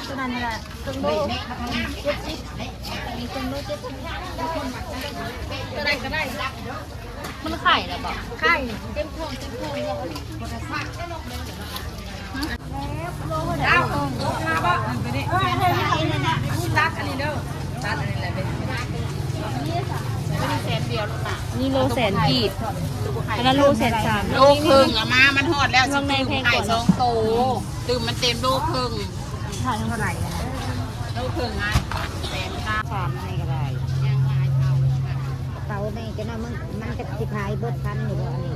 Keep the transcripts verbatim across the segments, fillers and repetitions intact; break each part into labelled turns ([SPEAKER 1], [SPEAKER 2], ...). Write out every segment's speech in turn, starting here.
[SPEAKER 1] ตัวนั้นแหละตึงโลเจ็ดสิบมีตึงโลเจ็ดสิบตัวใดก็ได้มันไข่หรอเปล่าไข่เต็มพวงเต็มพวงเลยคนละสักเอ้ามาบ่ไปดิเออให้ให้นั่นน่ะตัดอันนี้เด้อตัดอันนี้แหละเป็นนี่ค่ะเป็นแสนเดียวลูกน่ะนี่โลแสนกีบอันนั้นโลแสนสามโลครึ่งละมามันหอดแล้วสิตื่มไข่สองโตตื่มมันเต็มโลครึ่งถ่ายเท่าไหร่โลครึ่งไงแสนห้าสามนี่ก็ได้ยังลายเท่าเท่านี่จะน่ามันมันจะสิขายเบิดพันอยู่บ่อันนี้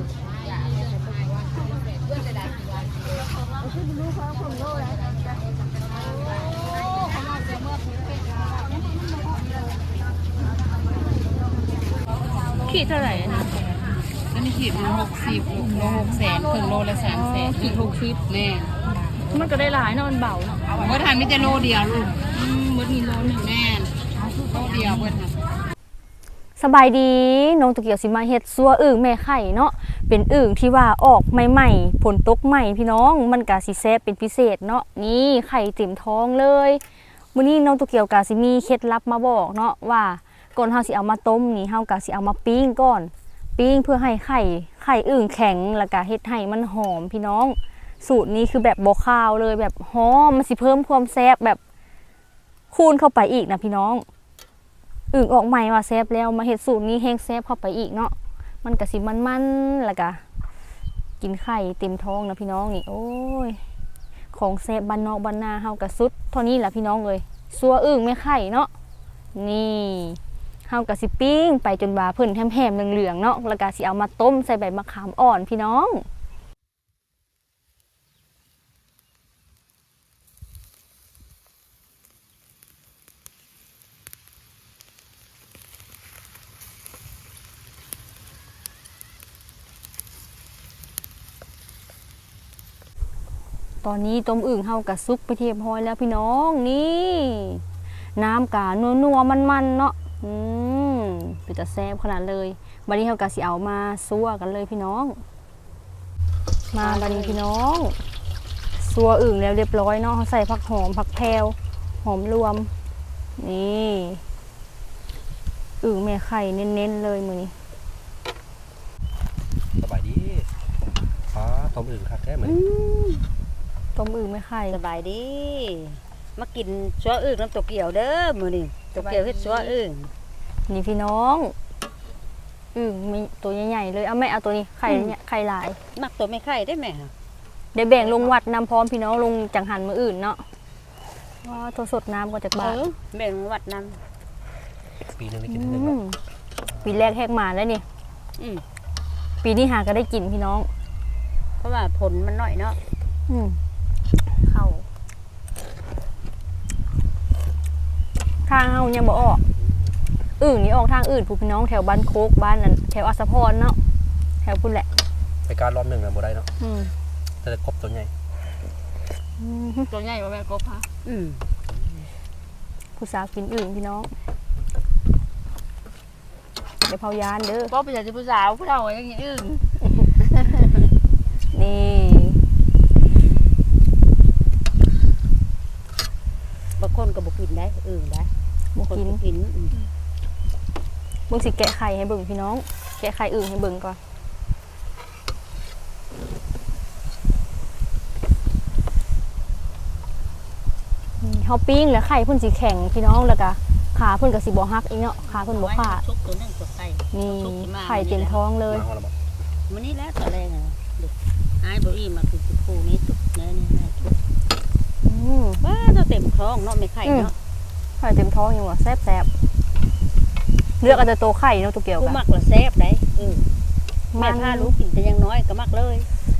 [SPEAKER 1] ขีดเท่าไหร่นะอันนี้ขีดโลหกสิบโลหกแสนถึงโลละสามแสนขีดหกสิบแน่มันก็ได้หลายนอนเบาเนาะเมื่อทานไม่จะโลเดียวลูกอืมเมื่อทีโลหนึ่งแน่โลเดียวเมื่อทาน
[SPEAKER 2] สบายดีน้องตะเกียวสิมาเฮ็ดซัวอึ่งแม่ไข่เนาะเป็นอึ่งที่ว่าออกใหม่ๆผลตกใหม่พี่น้องมันก็สิแซ่บเป็นพิเศษเนาะนี่ไข่เต็มท้องเลยมื้อนี้น้องตะเกียวก็สิมีเคล็ดลับมาบอกเนาะว่าก่อนเฮาสิเอามาต้มนี่เฮาก็สิเอามาปิ้งก่อนปิ้งเพื่อให้ไข่ไข่อึ่งแข็งแล้วก็เฮ็ดให้มันหอมพี่น้องสูตรนี้คือแบบบ่คาวเลยแบบหอมมันสิเพิ่มความแซ่บแบบคูณเข้าไปอีกนะพี่น้องอึ่งออกใหม่ว่าแซ่บแล้วมาเฮ็ดสูตรนี้แห้งแซ่บเข้าไปอีกเนาะมันก็สิมันๆแล้วก็กินไข่เต็มท้องนะพี่น้องนี่โอ้ยของแซ่บบ้านนอกบ้านนาเฮาก็สุดเท่านี้แหละพี่น้องเอ้ยซัวอึ่งแม่ไข่เนาะนี่เฮาก็สิปิ้งไปจนว่าเพิ่นแหมๆเหลืองๆเนาะแล้วก็สิเอามาต้มใส่ใบมะขามอ่อนพี่น้องตอนนี้ต้มอึ่งเฮากะซุกไปเทียบร้อยแล้วพี่น้องนี่น้ำกะนัวๆมันๆเนาะอืมเป็นจะแซ่บขนาดเลยบัดนี้เฮากะสิเอามาซัวกันเลยพี่น้องมาบัดนี้พี่น้องซัวอึ่งแล้วเรียบร้อยเนาะเขาใส่ผักหอมผักแพรวหอมรวมนี่อึ่งแม่ไข่เน้นๆเลยมื้อนี้
[SPEAKER 3] สบายดีอ๋อต้มอึ่งคักแท้เหมือน
[SPEAKER 2] ต้มอึ่งไม่ไข่
[SPEAKER 1] สบายดีมากินซัวอึ่งน้ำตกเกี่ยวเด้อมื้อนี้ตกเกี่ยวเฮ็ดซัวอึ่ง
[SPEAKER 2] นี่พี่น้องอึ่งมีตัวใหญ่ๆเลยเอาแม่เอาตัวนี้ไข่เนี่ยไข่หลาย
[SPEAKER 1] มักตัวไม่ไข่ได้ไหมคะ
[SPEAKER 2] เดี๋ยวแบ่งลงวัดนำพร้อมพี่น้องลงจังหันมืออื่นเนาะว่าโทรสดน้ำก็จากบ้าน
[SPEAKER 1] แบ่งวัดน
[SPEAKER 3] ำปีนึงได้กินหนึ่ง
[SPEAKER 2] ปีแรกแหกมาแล้วนี่ปีนี้หาก็ได้กินพี่น้อง
[SPEAKER 1] เพราะว่าผลมันน้อยเนาะ
[SPEAKER 2] เข้าทางเฮายังบ่ออกอื่นนี่ออกทางอื่นผู้พี่น้องแถวบ้านโคกบ้านนั้นแถวอัสพรเนาะแถวพุ่นแหละ
[SPEAKER 3] ไปการรอบหนึ่งนะบ่ได้เนาะแต่กบตัวใหญ่
[SPEAKER 1] ตัวใหญ่กว่าแม่กบฮะ
[SPEAKER 2] ผู้สาวกินอื่นพี่น้องเดี๋ยวเผายานเด้อ
[SPEAKER 1] ก็เป็นอย่างที่ผู้สาวผู้เฒ่าอย่างนี้อื่น
[SPEAKER 2] นี่
[SPEAKER 1] บางคนก็บอกกินได้อื่นได้
[SPEAKER 2] บางคน
[SPEAKER 1] กิน
[SPEAKER 2] เบิ่งสิแกะไข่ให้เบิ่งพี่น้องแกะไข่อื่นให้เบิ่งก่อนเฮาปิ้งแล้วไข่เพิ่นสิแข็งพี่น้องแล้วก็ขาเพิ่นก็สิบ่ฮักอีกเนาะขาเพิ่นบ่ขาดนี่ไข่เต็มท้องเลย
[SPEAKER 1] มื้อนี้แล้วตอนแรกอ่ะอ้ายบ่อีมาคือคู่นี้ตุกเนื้อนี่นะอือว้าจะเต็มท้องเนาะไม่ไข่เนาะ
[SPEAKER 2] ไข่เต็มท้องอยู่ว่ะแซ่บๆเลือกเอาแต่โตไข่เนาะตัวเกี่ยวกัน
[SPEAKER 1] มักละแซ่บได้เออแม่พาลูกกินแต่ยังน้อยก็มักเลย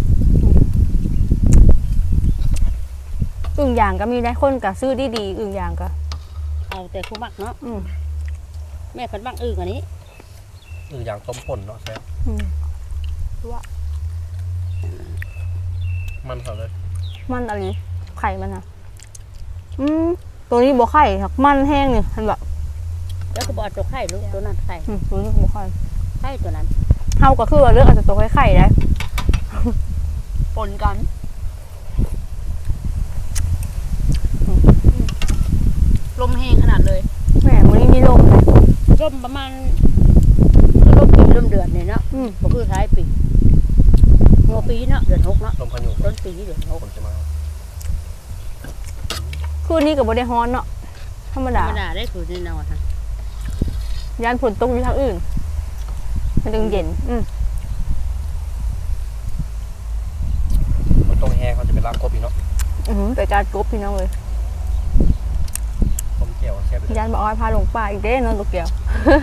[SPEAKER 2] อึ่งอย่างก็มีได้คนก็ซื้อดีๆอึ่งอย่างก็
[SPEAKER 1] เอาแต่คู่มักเนาะแม่เพิ่นมักอึ่งอันนี้
[SPEAKER 3] อึ่งอย่างต้มป่นเนาะแซ่บ
[SPEAKER 2] ว่า
[SPEAKER 3] มันเขาเลย
[SPEAKER 2] มันอะไรไข่มันอ่ะอืมตัวนี้บ่ไข่ครับมันแห้งนี่เห็นบ่
[SPEAKER 1] แล้วก็บ่ตัวไข่ลูกตัวนั้นไข่
[SPEAKER 2] อืมตัวนี้บ่ไข่
[SPEAKER 1] ไข่ตัวนั้น
[SPEAKER 2] เฮาก็คือว่าเลือกเอาแต่ตัวไข่ได้
[SPEAKER 1] ปนกันลมแห้งขนาดเลย
[SPEAKER 2] แหมมื้อนี้มีลมเลย
[SPEAKER 4] ร่มประมาณร่มปีร่มเดือนเนี่ยเนาะ
[SPEAKER 2] อืม
[SPEAKER 4] บ่คือท้ายปีงัวปีเนาะเดือนหกเนาะ
[SPEAKER 3] ลมพายุ
[SPEAKER 4] ต้นปีเดือนหก
[SPEAKER 3] ฝนจะมา
[SPEAKER 2] คืนนี้ก็บ่ได้ฮ้อนเนาะธรรม
[SPEAKER 4] ธร
[SPEAKER 2] ดาร
[SPEAKER 4] มดาได้คือแน่นอนค่ะ
[SPEAKER 2] ยานฝนตกอยู่ทางอื่นมันจึงเย็นอืม
[SPEAKER 3] ฝนตกแห้งเขาจะเป็นลากกบอีกเนาะ
[SPEAKER 2] อือหือไปการกบพี่น้องเลย
[SPEAKER 3] ต้มเกี่ยวแซ่บไปเลย
[SPEAKER 2] ยานบ่อ้อยพาลงป่าอีกเด้เนาะลูกเกี่ยว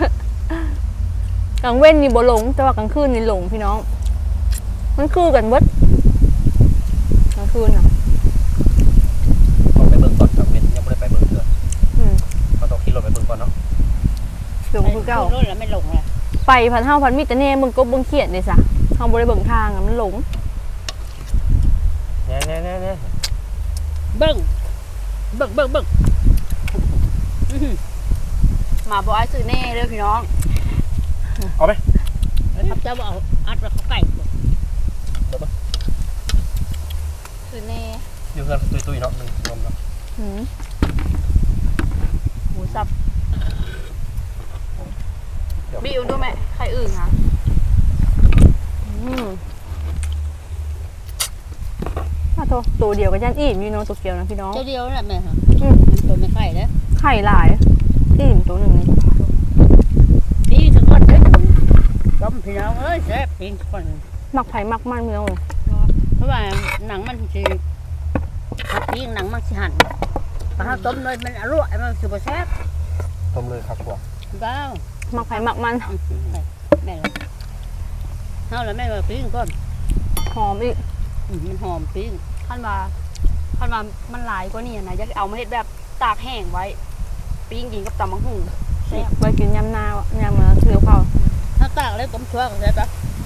[SPEAKER 2] กลางเว้นนี่บ่หลงแต่ว่ากลางคืนนี่หลงพี่น้อง มันคือกันเบิดกลางคืนน่ะ
[SPEAKER 3] ต้องไปเบิ่งก่อนกับเว้นยังไม่ได้ไปเบิ่งเถอะ
[SPEAKER 2] อืม
[SPEAKER 3] เขาต้องขี่รถไปเบิ่งก่อนเนาะ
[SPEAKER 2] หลงคือเก่า
[SPEAKER 4] รถแล้วไม่ลงเลย
[SPEAKER 2] ไปพันเฮาพันมีแต่แน่มึงกบเบิ่งเขียนเลยซะเฮาบ่ได้เบิ่งทางอะมันหลง
[SPEAKER 3] แน่แน่แน่แน่
[SPEAKER 4] เบิ่งเบิ่งเบิ่งเบิ่งอื้อหือ
[SPEAKER 1] หมาบอกไอ้ซื้อแน่เลยพี่น้อง
[SPEAKER 3] เอาไหม
[SPEAKER 4] ครับเจ้าบ่เอาอัดไว้เขาไก่บ่
[SPEAKER 3] เบิ่งเบิ่ง
[SPEAKER 1] ซื้อแน่
[SPEAKER 3] อยู่เพื่อนตุยตุยๆเนาะมันลมเนาะ
[SPEAKER 2] อืม
[SPEAKER 1] หมูสับ
[SPEAKER 3] เดี๋ยว
[SPEAKER 1] บีอุ่นด้วยไหมใครอื่นคะ
[SPEAKER 2] อืมอ้าวโตตัวเดียวกับยันอิ่มอยู่เนาะตัวเกียวนะพี่น้อง
[SPEAKER 4] เจ้าเดียวนั่นแหละแม่ค่ะ
[SPEAKER 2] อืม
[SPEAKER 4] มันตัวไม่ไข่แล้ว
[SPEAKER 2] ไข่หลายอิ่มตัวหนึงนี่
[SPEAKER 4] นี่ถึงวันเด้อต้มพี่น้องเอ้ยแซ่บจริงก่อน
[SPEAKER 2] มักไผ่มักมันพี่น้องเลย
[SPEAKER 4] เพราะว่าหนังมันสิหักยิงหนังมันสิหั่นถ้าเราต้มเลยมันอร่อยมันสิบ่แซ่บ
[SPEAKER 3] ต้มเลยครับกว่า
[SPEAKER 4] บ้าว
[SPEAKER 2] มักไผ่มักมัน
[SPEAKER 4] แม่เลยเฮาแล้วแม่ว่าปิ้งก่อน
[SPEAKER 2] หอมอีก
[SPEAKER 4] อืมมันหอมปิ้ง
[SPEAKER 1] ขั้นมาขั้นมามันหลายกว่านี่นะอยากเอามาเฮ็ดแบบตากแห้งไว้ปิ้งกินกับตำมังหุ่งแซ่บ
[SPEAKER 2] ไปกินยำนาวอะยำมาเถือเผา
[SPEAKER 4] ถ้าตากแล้วต้มชั่วก็แซ่บปะ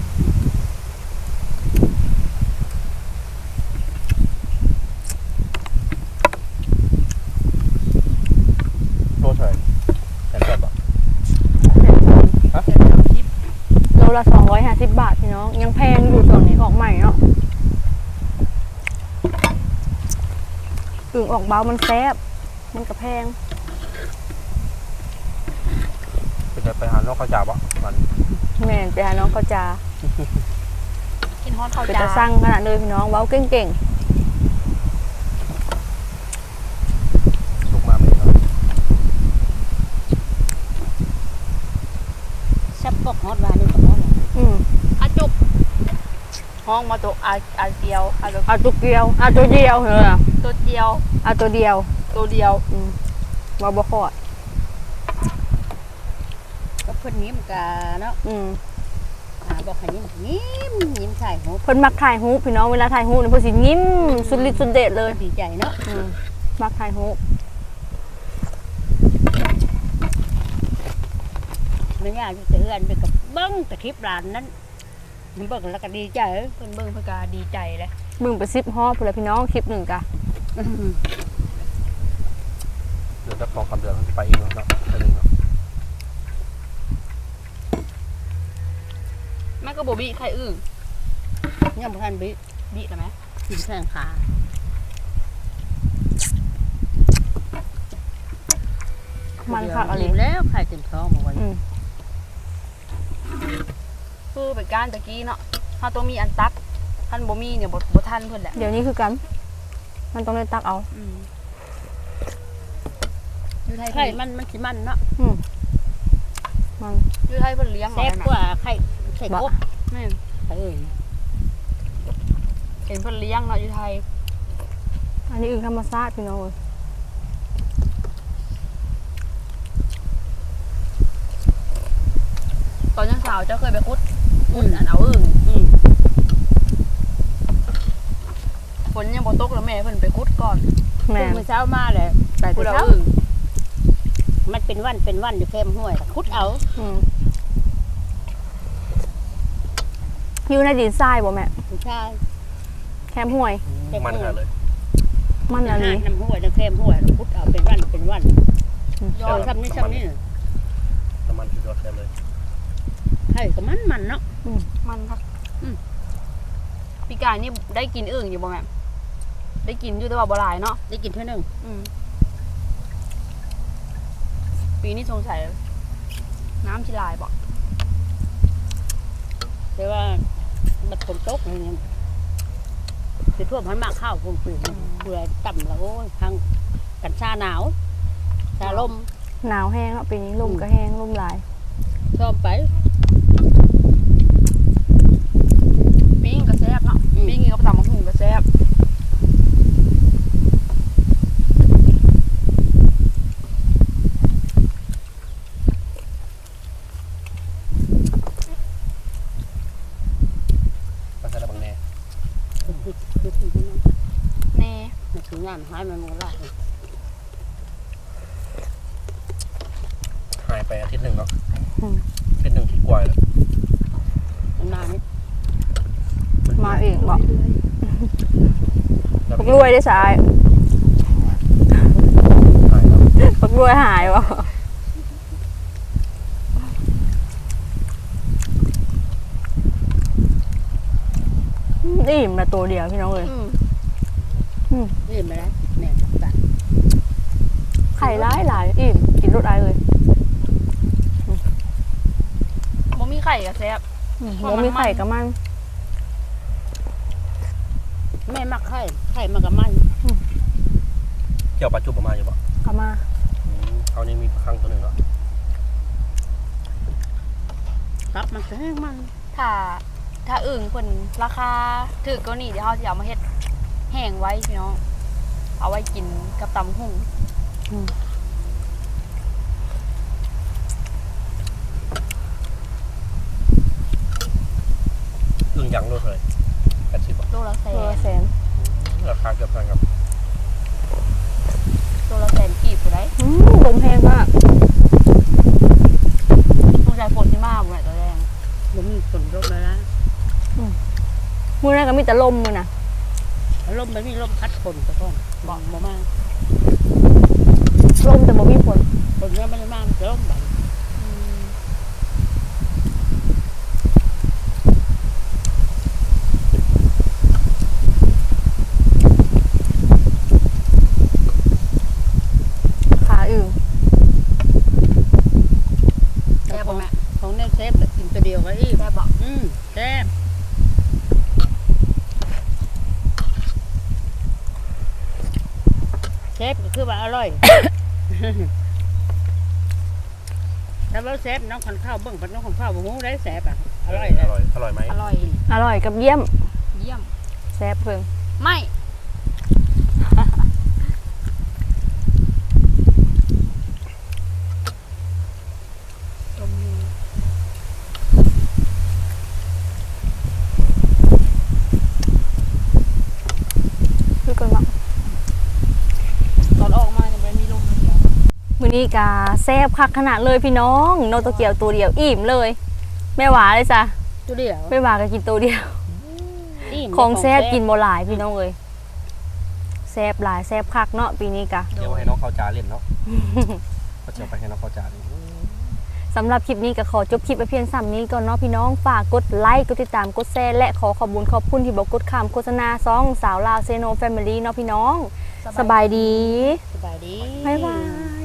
[SPEAKER 3] โลเท่าไหร่แสนแปดบาทฮะ
[SPEAKER 2] โลละสองร้อยห้าสิบบาทพี่น้องยังแพงอยู่ส่วนนี้ออกใหม่เนาะอึ่งออกเบามันแซ่บมันก็แพง
[SPEAKER 3] เป็นจะไปหาน้องข้าวจ่าปะมัน
[SPEAKER 2] แม่นไปหาน้องเขาจา
[SPEAKER 1] กินฮอตข้าว
[SPEAKER 2] เป็น
[SPEAKER 1] จ้า
[SPEAKER 2] ตาสั่งขนาดเลยพี่น้องเว้าเก่ง
[SPEAKER 3] ลูกมาไม่เนาะ
[SPEAKER 4] แซ่บปกฮอดวานี่ก็ฮอด
[SPEAKER 2] ๆอืม
[SPEAKER 1] อาจุกห้องมาตัวอาอาเดียวอาตัว
[SPEAKER 2] เอาตัวเดียวเอาตัวเดียวเหรอ
[SPEAKER 1] ตัวเดียว
[SPEAKER 2] เอาตัวเดียว
[SPEAKER 1] ตัวเดียว
[SPEAKER 2] อืมว่าบ่คอด
[SPEAKER 4] ก็เพิ่นยิ้มกะเนาะ
[SPEAKER 2] อืม
[SPEAKER 4] หาบอกให้ยิ้มยิ้มยิ้มใส่หู
[SPEAKER 2] เพิ่นมักถ่ายรูปพี่น้องเวลาถ่ายรูปนี่เพิ่นสิยิ้มสุดฤทธิ์สุดเดชเลย
[SPEAKER 4] ดีใจเนาะ
[SPEAKER 2] อืมมักถ่ายรูป
[SPEAKER 4] ไม่ยากจะเตือนไปกับเบิ้งแต่คลิปร้านนั้นมันเบิ้งแล้วก็ดีใจ
[SPEAKER 1] เพิ่นเบิ่งเพิ่นก็ดีใจเลย
[SPEAKER 2] เบิ่งไปสิบฮอบพุ่นละพี่น้องคลิปหนึงกะ
[SPEAKER 4] อื้อหือ
[SPEAKER 3] เดือนจะฟองคำเดือนเขาจะไปอีกเนาะเนาะเดือนหนึ่งเนาะ
[SPEAKER 1] แม่ก็บ่บีใครอื่น
[SPEAKER 4] ยังบ่ทันบิ
[SPEAKER 1] บีแล้วไหม
[SPEAKER 4] กินแข้งขา
[SPEAKER 2] มันคักอะไร
[SPEAKER 4] เดี๋ยวแล้วไข่เต็มท้องมาไว้
[SPEAKER 2] อืม
[SPEAKER 1] คือเป็นการตะกี้เนาะถ้าตัวมีอันตักท่านบ่มีเนี่ยบ่บ่ทันเพิ่นแหละ
[SPEAKER 2] เดี๋ยวนี้คือกัน มันต้องได้ตักเอา
[SPEAKER 1] อืมอยู่ไทย
[SPEAKER 4] ไข่
[SPEAKER 1] เพิ่น
[SPEAKER 4] มันมันสิมันเนาะ
[SPEAKER 2] อืมมัน
[SPEAKER 1] อยู่ไทยเพิ่นเลี้ยง
[SPEAKER 4] แซ่บ
[SPEAKER 1] ไว้
[SPEAKER 4] ก
[SPEAKER 1] นะ
[SPEAKER 4] ว่าไข่ไข่กบ
[SPEAKER 1] แม่น
[SPEAKER 4] ไข่เอ้ย
[SPEAKER 1] เห็นเพิ่นเลี้ยงเนาะอยู่ไทย
[SPEAKER 2] อันนี้อึ่งธรรมชาติพี่น้องเอ้ย
[SPEAKER 1] ตอนยังสาวเจ้าเคยไปคุดคุดอันเอาอึ่ง
[SPEAKER 4] อืม
[SPEAKER 1] ฝนยังบ่ตกแล้วแม่เพิ่นไปคุดก่อน
[SPEAKER 2] แม่
[SPEAKER 4] ตื่นมื้อเช้ามาเลยไป
[SPEAKER 1] คุ
[SPEAKER 4] แต่
[SPEAKER 1] ดเอา
[SPEAKER 4] เช้า
[SPEAKER 1] อึ่ง
[SPEAKER 4] มันเป็นวันเป็นวันอยู่แคมห้วยคุดเอา
[SPEAKER 2] อืมอยู่ในดินทรายบ่แม่
[SPEAKER 4] ผู้ชาย
[SPEAKER 2] แคมห้วย
[SPEAKER 4] แค
[SPEAKER 3] มัน
[SPEAKER 4] ห้ว
[SPEAKER 3] ขาย ดเลย
[SPEAKER 2] มันอะไร
[SPEAKER 4] น้ำห้วยน้ำแคมห้วยคุดเอาเป็นวันเป็นวัน
[SPEAKER 1] ยอ
[SPEAKER 4] เอ
[SPEAKER 1] ด
[SPEAKER 4] อทำนี่ทำนี่น่ะ
[SPEAKER 3] น้ำมันคือยอดแซ่บเลย
[SPEAKER 4] ไข่ก็มันมันเนาะ
[SPEAKER 1] มันครับ
[SPEAKER 4] อืม
[SPEAKER 1] พี่กายนี่ได้กินอึ่งอยู่บ่แม่ได้กินอยู่แต่ว่าบ่หลายเนาะ
[SPEAKER 4] ได้กินเท่านึง
[SPEAKER 1] อืมปีนี้สงสัยน้ำชิลายบอก
[SPEAKER 4] แต่ว่ามันฝนตกอะไรเงี้ยคือท่วมพันมากข้าวคงปืนเบื่อต่ำแล้วโอ้ยทางกันชาหนาวชาลม
[SPEAKER 2] หนาวแห้งเนาะปีนี้ลมก็แห้งลมหลาย
[SPEAKER 4] ชอบไป
[SPEAKER 1] ปิ้งกระแซบเนาะปิ้งกินกับตำมะฮุ่งกระแซบ
[SPEAKER 3] ภาษาบังแน่
[SPEAKER 4] คือคือคือคือนั่น
[SPEAKER 1] แน่
[SPEAKER 4] มันถึงงานหายมันหมดละ
[SPEAKER 3] หายไปอาทิตย์หนึ่งเนาะอาทิตย์หนึ่งที่กว่าแล้ว
[SPEAKER 4] มันมานี่
[SPEAKER 2] มาเองบอก
[SPEAKER 3] แล้ว
[SPEAKER 2] ปักรวยได้สาย
[SPEAKER 3] หายแล้ว
[SPEAKER 2] ปักรวยหายวะอิ่มละตัวเดียวพี่น้องเลย
[SPEAKER 1] อืม
[SPEAKER 4] นี่มาแล้วแม่ตัด
[SPEAKER 2] ไข่ร้ายหลายอิ่มกินรสอะไรเลย
[SPEAKER 1] บ่มีไข่กระแซบ
[SPEAKER 2] มันมีไข่กับมัน
[SPEAKER 4] แม่มักไข่ไข่มากับมัน
[SPEAKER 3] เกี่ยวปลาจุบออกมาอยู่บ่
[SPEAKER 2] กับมา
[SPEAKER 3] เขานี่มีครั้งตัวหนึ่งเนาะ
[SPEAKER 4] ครับมันแห้งมัน
[SPEAKER 1] ถ้าถ้าอึ่งเพิ่นราคาถูกกว่านี้เดี๋ยวเฮาสิเอามาเฮ็ดแห้งไว้พี่น้องเอาไว้กินกับตำมะฮุ่ง
[SPEAKER 3] อึ่งยังโลเท่าไหร่แปดสิบบ่
[SPEAKER 1] โลละแส
[SPEAKER 2] เออน แสน
[SPEAKER 3] ราคาเกือบเท่ากันครับ
[SPEAKER 1] โลละแสนกีบผู้ใด
[SPEAKER 2] อืมลมแห้งมาก
[SPEAKER 1] สงสัยฝนสิมาบ่แม่ตัวแดง
[SPEAKER 4] มันมีฝนตกเลยนะ
[SPEAKER 2] มือนั้นก็มีแต่ลมมือน่ะ
[SPEAKER 4] ลมมันมีลมพัดฝนตะก้อนบอกมามา
[SPEAKER 2] ลมแต่บ่มีฝน
[SPEAKER 4] ฝนเนี่ยไม่ได้มามันจะลมแบบ
[SPEAKER 1] อืม
[SPEAKER 2] ขาอึ่ง
[SPEAKER 1] แซ่บบ่แม่
[SPEAKER 4] ของเนี่ยเซฟแบบกินตัวเดียวก็อีก
[SPEAKER 1] แซ่บบ่
[SPEAKER 4] อืมแซ่บเซฟก็คือว่าอร่อย ถ้าว่าเซฟน้องขันข้าวเบิ่งพัดน้องขันข้าวบ่ฮู้ได้แซ่บอ่ะอร่อย
[SPEAKER 3] อ
[SPEAKER 4] นะ
[SPEAKER 3] ร่อยอร่อยไหม
[SPEAKER 1] อร่อย
[SPEAKER 2] อร่อยกับเยี่ยม
[SPEAKER 1] เยี่ยม
[SPEAKER 2] แซ่บเพิ่ง
[SPEAKER 1] ไม่
[SPEAKER 2] คือกันว่า
[SPEAKER 1] ตอนออกมาเนี่ยมันมีลมเดียว
[SPEAKER 2] มื้อนี้กาแซ่บคักขนาดเลยพี่น้องโนโตเกียวตัวเดียวอิ่มเลยแม่หวาเลยจ้ะ
[SPEAKER 4] ตัวเดียว
[SPEAKER 2] แม่หวาก็กินตัวเดียว
[SPEAKER 4] อิ่ม
[SPEAKER 2] ของแซ่บกินบ่หลายพี่น้องเอ้ยแซ่บหลายแซ่บคักเนาะปีนี้กะ
[SPEAKER 3] เดี๋ยวให้น้องเข้าจาเล่นเนาะก็จะไปให้น้องเข้าจาเล่น
[SPEAKER 2] สำหรับคลิปนี้ก็ขอจบคลิปไปเพียงซ้ำนี้ก่อนเนาะพี่น้องฝากกดไลค์กดติดตามกดแชร์และขอขอบคุณขอบคุณที่บอกกดข้ามโฆษณาซองสาวลาวเซโนแฟมิลี่เนาะพี่น้องสบายดี
[SPEAKER 4] สบายดี
[SPEAKER 2] บ๊ายบาย